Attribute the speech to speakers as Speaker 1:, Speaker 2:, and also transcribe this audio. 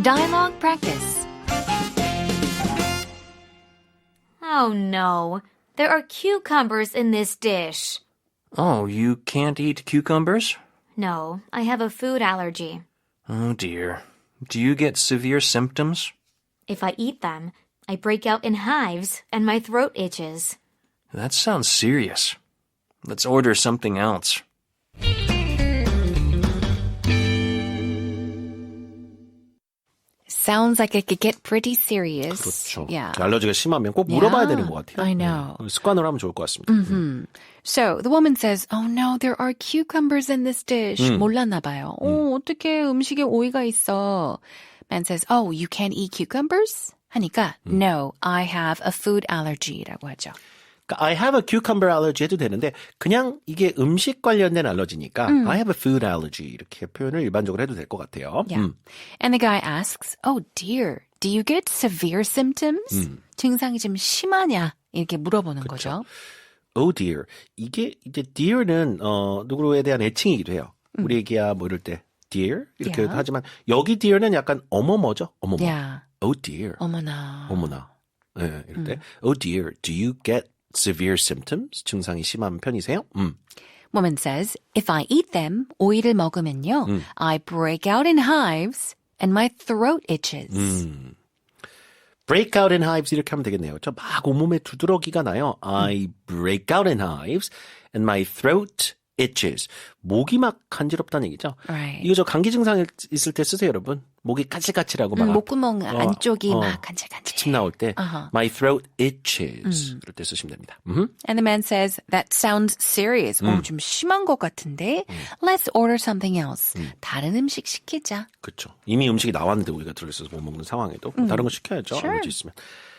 Speaker 1: Dialogue practice. Oh no, there are cucumbers in this dish.
Speaker 2: Oh, you can't eat cucumbers?
Speaker 1: No, I have a food allergy.
Speaker 2: Oh dear. Do you get severe symptoms?
Speaker 1: If I eat them, I break out in hives and my throat itches.
Speaker 2: That sounds serious. Let's order something else.
Speaker 1: Sounds like it could get pretty serious.
Speaker 3: 그렇죠.
Speaker 1: Yeah.
Speaker 3: 알러지가 심하면 꼭 물어봐야 되는 것 같아요.
Speaker 1: I know.
Speaker 3: 습관으로 하면 좋을 것 같습니다.
Speaker 1: So the woman says, "Oh no, there are cucumbers in this dish." 몰랐나 봐요. 어떻게 음식에 오이가 있어? Man says, "Oh, you can't eat cucumbers?" 하니까 "No, I have a food allergy라고 하죠.
Speaker 3: 그러니까 I have a cucumber allergy 해도 되는데 그냥 이게 음식 관련된 알러지니까 I have a food allergy 이렇게 표현을 일반적으로 해도 될 것 같아요.
Speaker 1: Yeah. And the guy asks, "Oh dear, do you get severe symptoms?" 증상이 좀 심하냐? 이렇게 물어보는 거죠.
Speaker 3: Oh dear. 이게 이제 dear는 누구에 대한 애칭이기도 해요. 우리 애기야 뭐 이럴 때 dear 이렇게
Speaker 1: Yeah.
Speaker 3: 하지만 여기 dear는 약간 어머머죠. 어머머.
Speaker 1: Yeah.
Speaker 3: Oh dear.
Speaker 1: 어머나.
Speaker 3: 어머나. 네, 이럴 때 Oh dear. Do you get severe symptoms? 증상이 심한 편이세요?
Speaker 1: Woman says, "If I eat them, 오이를 먹으면요, I break out in hives and my throat itches."
Speaker 3: break out in hives 이렇게 하면 되겠네요. 저 막 온몸에 두드러기가 나요. I break out in hives and my throat itches. 목이 막 간지럽다는 얘기죠.
Speaker 1: Right.
Speaker 3: 이거 저 감기 증상 있을 때 쓰세요, 여러분. 목이 까칠까칠하고 막
Speaker 1: 목구멍 안쪽이 막 간질간질.
Speaker 3: 침 나올 때
Speaker 1: Uh-huh.
Speaker 3: my throat itches. 그럴 때 쓰시면 됩니다.
Speaker 1: And the man says, "That sounds serious." 좀 심한 것 같은데. Let's order something else. 다른 음식 시키자.
Speaker 3: 그렇죠. 이미 음식이 나왔는데 우리가 들어있어서 못 먹는 상황에도 다른 거 시켜야죠.
Speaker 1: Sure.
Speaker 3: 알러지 있으면.